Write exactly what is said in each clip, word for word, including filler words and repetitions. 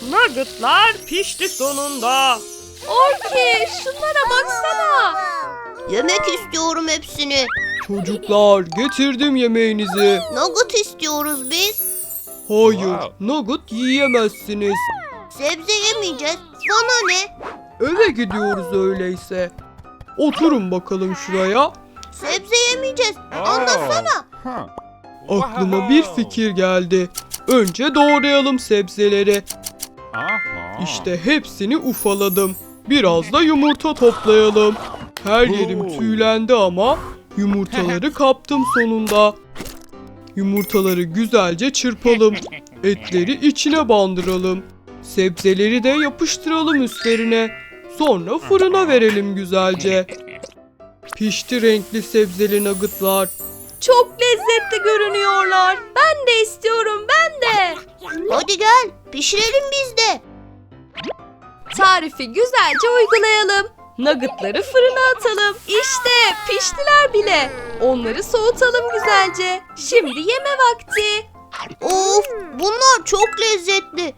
Nuggetlar pişti sonunda. Orki, şunlara baksana. Yemek istiyorum hepsini. Çocuklar getirdim yemeğinizi. Nugget istiyoruz biz. Hayır, nugget yiyemezsiniz. Sebze yemeyeceğiz. Bana ne? Eve gidiyoruz öyleyse. Oturun bakalım şuraya. Sebze yemeyeceğiz. Anlasana. Aklıma bir fikir geldi. Önce doğrayalım sebzeleri. İşte hepsini ufaladım. Biraz da yumurta toplayalım. Her yerim tüylendi ama yumurtaları kaptım sonunda. Yumurtaları güzelce çırpalım. Etleri içine bandıralım. Sebzeleri de yapıştıralım üstlerine. Sonra fırına verelim güzelce. Pişti renkli sebzeli nuggetlar. Çok lezzetli görünüyorlar. Ben de istiyorum, ben de. Hadi gel. Pişirelim biz de. Tarifi güzelce uygulayalım. Nuggetları fırına atalım. İşte piştiler bile. Onları soğutalım güzelce. Şimdi yeme vakti. Of, bunlar çok lezzetli.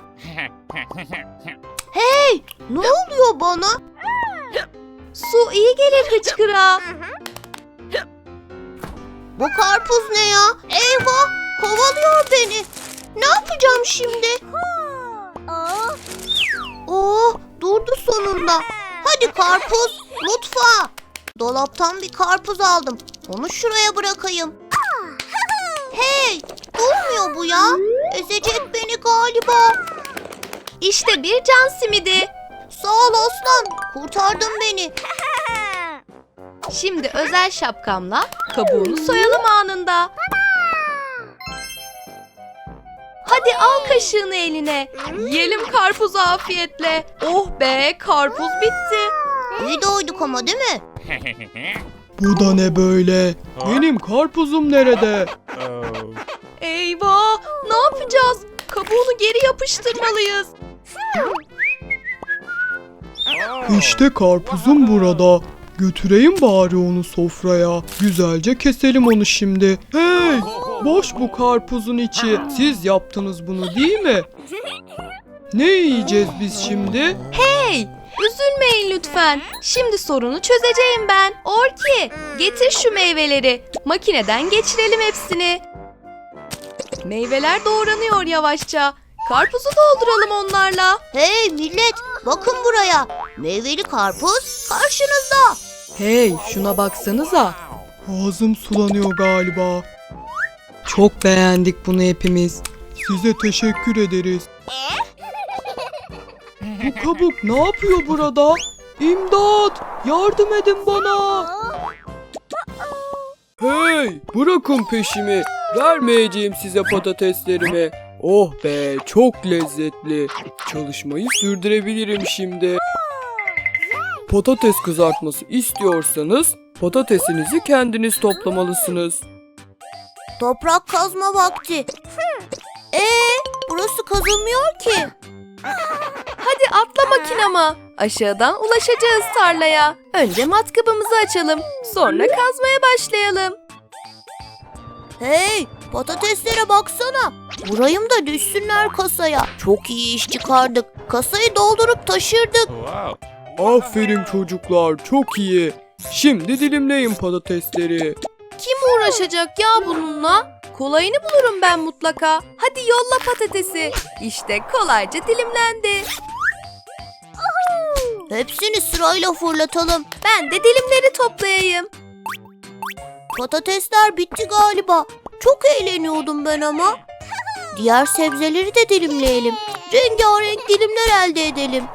Hey, ne oluyor bana? Su iyi gelir hıçkıra. Bu karpuz ne ya? Eyvah, kovalıyor beni. Ne yapacağım şimdi? Oh, durdu sonunda. Hadi karpuz, mutfağa. Dolaptan bir karpuz aldım. Onu şuraya bırakayım. Hey, durmuyor bu ya. Ezecek beni galiba. İşte bir can simidi. Sağ ol aslan, kurtardın beni. Şimdi özel şapkamla kabuğunu soyalım anında. Hadi al kaşığını eline. Yiyelim karpuzu afiyetle. Oh be, karpuz bitti. İyi doyduk ama değil mi? Bu da ne böyle? Benim karpuzum nerede? Eyvah, ne yapacağız? Kabuğunu geri yapıştırmalıyız. İşte karpuzum burada. Götüreyim bari onu sofraya. Güzelce keselim onu şimdi. Hey! Boş bu karpuzun içi. Siz yaptınız bunu değil mi? Ne yiyeceğiz biz şimdi? Hey, üzülmeyin lütfen. Şimdi sorunu çözeceğim ben. Orki, getir şu meyveleri. Makineden geçirelim hepsini. Meyveler doğranıyor yavaşça. Karpuzu dolduralım onlarla. Hey millet, bakın buraya. Meyveli karpuz karşınızda. Hey, şuna baksanıza. Ağzım sulanıyor galiba. Çok beğendik bunu hepimiz. Size teşekkür ederiz. Bu kabuk ne yapıyor burada? İmdat! Yardım edin bana! Hey! Bırakın peşimi. Vermeyeceğim size patateslerimi. Oh be, çok lezzetli. Çalışmayı sürdürebilirim şimdi. Patates kızartması istiyorsanız patatesinizi kendiniz toplamalısınız. Toprak kazma vakti. Ee, burası kazılmıyor ki. Hadi atla makinama. Aşağıdan ulaşacağız tarlaya. Önce matkabımızı açalım. Sonra kazmaya başlayalım. Hey, patateslere baksana. Vurayım da düşsünler kasaya. Çok iyi iş çıkardık. Kasayı doldurup taşırdık. Aferin çocuklar, çok iyi. Şimdi dilimleyin patatesleri. Kim uğraşacak ya bununla? Kolayını bulurum ben mutlaka. Hadi yolla patatesi. İşte kolayca dilimlendi. Hepsini sırayla fırlatalım. Ben de dilimleri toplayayım. Patatesler bitti galiba. Çok eğleniyordum ben ama. Diğer sebzeleri de dilimleyelim. Rengarenk dilimler elde edelim.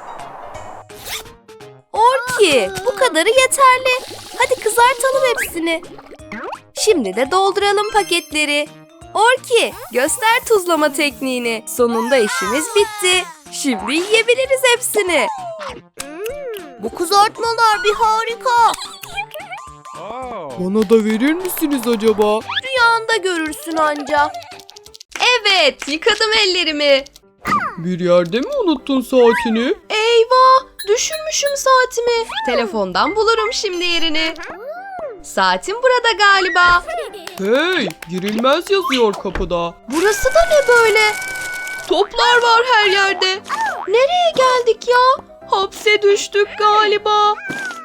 Orki, bu kadarı yeterli. Hadi kızartalım hepsini. Şimdi de dolduralım paketleri. Orki, göster tuzlama tekniğini. Sonunda işimiz bitti. Şimdi yiyebiliriz hepsini. Bu kızartmalar bir harika. Bana da verir misiniz acaba? Rüyanda görürsün anca. Evet, yıkadım ellerimi. Bir yerde mi unuttun saatini? Eyvah, düşünmüşüm saatimi. Telefondan bulurum şimdi yerini. Saatim burada galiba. Hey, girilmez yazıyor kapıda. Burası da ne böyle? Toplar var her yerde. Hapse düştük galiba.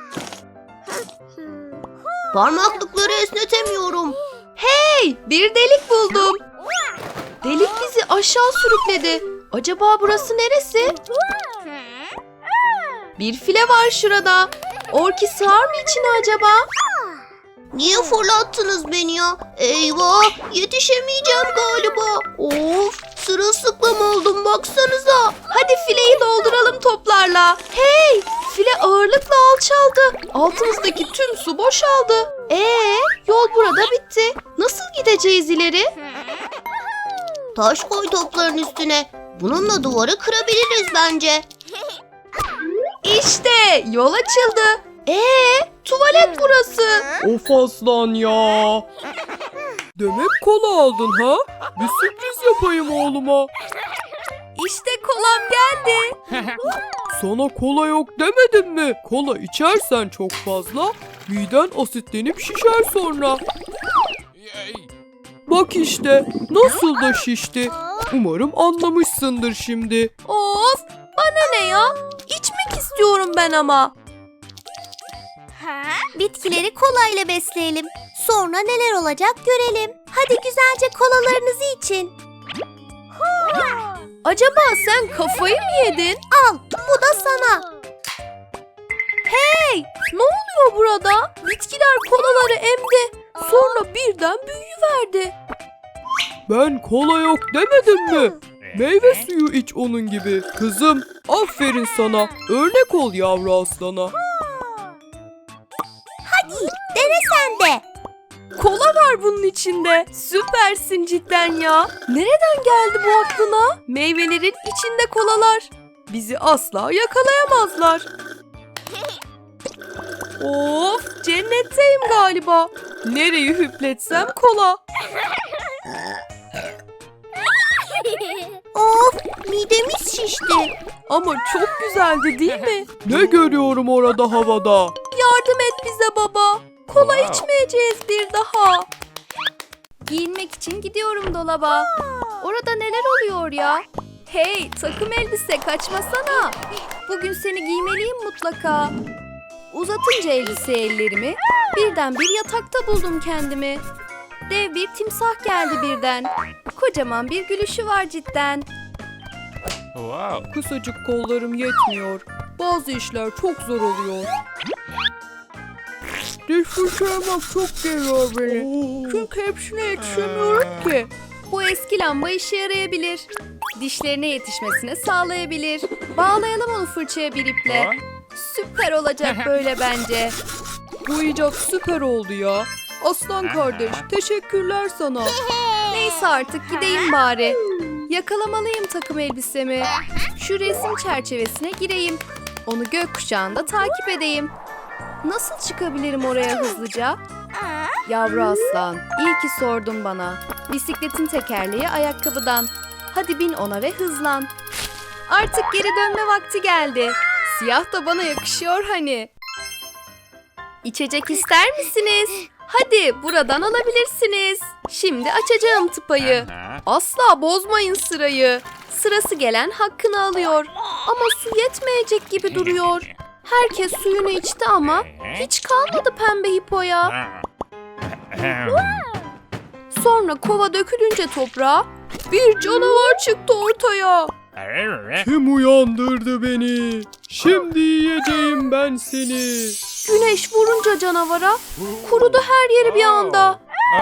Parmaklıkları esnetemiyorum. Hey, bir delik buldum. Delik bizi aşağı sürükledi. Acaba burası neresi? Bir file var şurada. Orki sığar mı içine acaba? Niye fırlattınız beni ya? Eyvah, yetişemeyeceğim galiba. Of, sırılsıklam oldum baksanıza. Hadi fileyi dolduralım toplarla. Hey, file ağırlıkla alçaldı. Altımızdaki tüm su boşaldı. Ee, yol burada bitti. Nasıl gideceğiz ileri? Taş koy topların üstüne. Bununla duvarı kırabiliriz bence. İşte yol açıldı. Ee, tuvalet burası. Of aslan ya. Demek kola aldın ha? Bir sürpriz yapayım oğluma. İşte kolam geldi. Sana kola yok demedim mi? Kola içersen çok fazla miden asitlenip şişer sonra. Bak işte nasıl da şişti. Umarım anlamışsındır şimdi. Of, bana ne ya? İçmek istiyorum ben ama. Bitkileri kolayla besleyelim. Sonra neler olacak görelim. Hadi güzelce kolalarınızı için. Acaba sen kafayı mı yedin? Al, bu da sana. Hey, ne oluyor burada? Bitkiler kolaları emdi. Sonra birden büyüyüverdi. Ben kola yok demedim mi? Meyve suyu iç onun gibi. Kızım aferin sana. Örnek ol yavru aslana. Dene sen de. Kola var bunun içinde. Süpersin cidden ya. Nereden geldi bu aklına? Meyvelerin içinde kolalar. Bizi asla yakalayamazlar. Of, cennetteyim galiba. Nereyi hüpletsem kola. Of, midemiz şişti. Ama çok güzeldi değil mi? Ne görüyorum orada havada? Yardım et bize baba. Kola içmeyeceğiz bir daha. Giyinmek için gidiyorum dolaba. Orada neler oluyor ya? Hey, takım elbise kaçmasana. Bugün seni giymeliyim mutlaka. Uzatınca elbise ellerimi birden bir yatakta buldum kendimi. Dev bir timsah geldi birden. Kocaman bir gülüşü var cidden. Kısacık kollarım yetmiyor. Bazı işler çok zor oluyor. Diş fırçalamak çok geliyor beni. Çünkü hepsine yetişemiyorum ki. Bu eski lamba işe yarayabilir. Dişlerine yetişmesini sağlayabilir. Bağlayalım onu fırçaya bir iple. Süper olacak böyle bence. Bu icat süper oldu ya. Aslan kardeş teşekkürler sana. Neyse artık gideyim bari. Yakalamalıyım takım elbisemi. Şu resim çerçevesine gireyim. Onu gökkuşağında takip edeyim. Nasıl çıkabilirim oraya hızlıca? Yavru aslan, iyi ki sordun bana. Bisikletin tekerleği ayakkabıdan. Hadi bin ona ve hızlan. Artık geri dönme vakti geldi. Siyah da bana yakışıyor hani. İçecek ister misiniz? Hadi buradan alabilirsiniz. Şimdi açacağım tıpayı. Asla bozmayın sırayı. Sırası gelen hakkını alıyor. Ama su yetmeyecek gibi duruyor. Herkes suyunu içti ama hiç kalmadı pembe hipoya. Sonra kova dökülünce toprağa bir canavar çıktı ortaya. Kim uyandırdı beni? Şimdi yiyeceğim ben seni. Güneş vurunca canavara kurudu her yeri bir anda.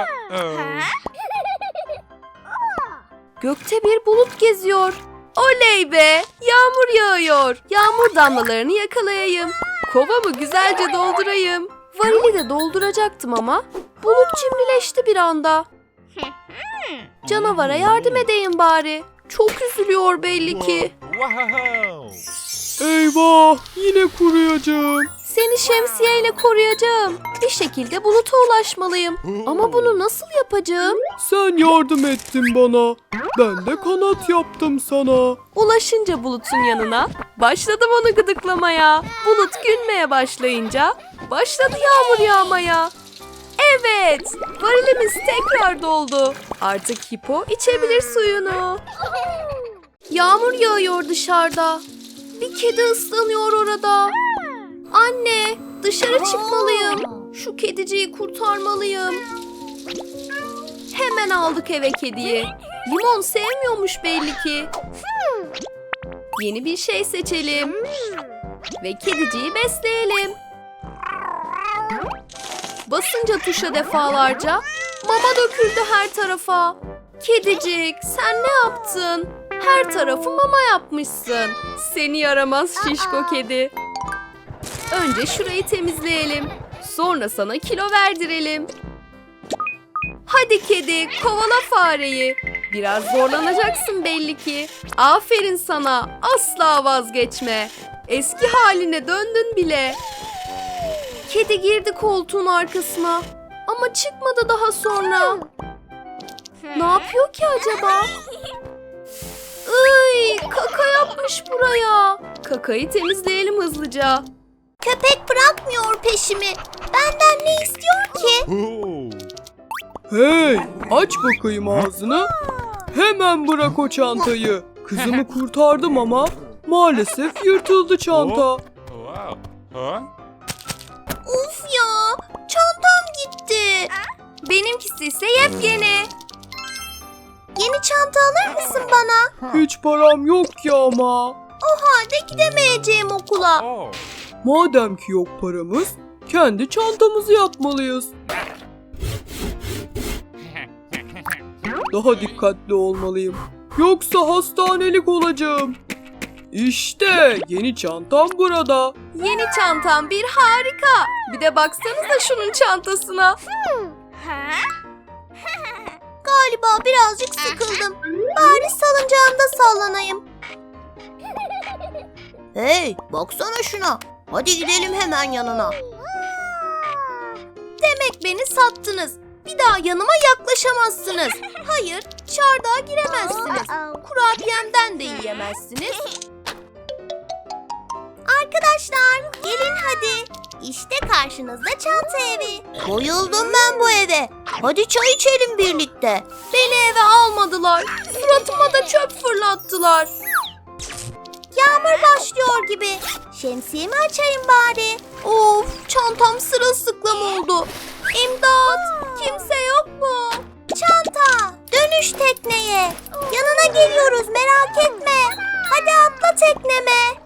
Gökte bir bulut geziyor. Oley be! Yağmur yağıyor. Yağmur damlalarını yakalayayım. Kovamı güzelce doldurayım. Varili de dolduracaktım ama bulut cimrileşti bir anda. Canavara yardım edeyim bari. Çok üzülüyor belli ki. Eyvah yine kuruyacağım. Seni şemsiyeyle koruyacağım. Bir şekilde buluta ulaşmalıyım. Ama bunu nasıl yapacağım? Sen yardım ettin bana. Ben de kanat yaptım sana. Ulaşınca bulutun yanına başladım onu gıdıklamaya. Bulut gülmeye başlayınca başladı yağmur yağmaya. Evet, varilimiz tekrar doldu. Artık hipo içebilir suyunu. Yağmur yağıyor dışarıda. Bir kedi ıslanıyor orada. Anne, dışarı çıkmalıyım. Şu kediciyi kurtarmalıyım. Hemen aldık eve kediyi. Limon sevmiyormuş belli ki. Yeni bir şey seçelim. Ve kediciyi besleyelim. Basınca tuşa defalarca mama döküldü her tarafa. Kedicik, sen ne yaptın? Her tarafı mama yapmışsın. Seni yaramaz şişko kedi. Önce şurayı temizleyelim. Sonra sana kilo verdirelim. Hadi kedi, kovala fareyi. Biraz zorlanacaksın belli ki. Aferin sana, asla vazgeçme. Eski haline döndün bile. Kedi girdi koltuğun arkasına. Ama çıkmadı daha sonra. Ne yapıyor ki acaba? Iy, kaka yapmış buraya. Kakayı temizleyelim hızlıca. Köpek bırakmıyor peşimi. Benden ne istiyor ki? Hey, aç bakayım ağzını. Hemen bırak o çantayı. Kızımı kurtardım ama maalesef yırtıldı çanta. Uf ya, çantam gitti. Benimkisi ise yepyeni. Yeni çanta alır mısın bana? Hiç param yok ki ama. O halde gidemeyeceğim okula. Madem ki yok paramız, kendi çantamızı yapmalıyız. Daha dikkatli olmalıyım. Yoksa hastanelik olacağım. İşte yeni çantam burada. Yeni çantam bir harika. Bir de baksanıza şunun çantasına. Galiba birazcık sıkıldım. Bari salıncağımda sallanayım. Hey, baksana şuna. Hadi gidelim hemen yanına. Demek beni sattınız. Bir daha yanıma yaklaşamazsınız. Hayır, çardağa giremezsiniz. Kurabiyemden de yiyemezsiniz. Arkadaşlar, gelin hadi. İşte karşınızda çanta evi. Bayıldım ben bu eve. Hadi çay içelim birlikte. Beni eve almadılar. Suratıma da çöp fırlattılar. Yağmur başlıyor gibi. Şemsiyemi açayım bari. Of, çantam sırılsıklam oldu. İmdat, kimse yok mu? Çanta, dönüş tekneye. Yanına geliyoruz, merak etme. Hadi atla tekneme.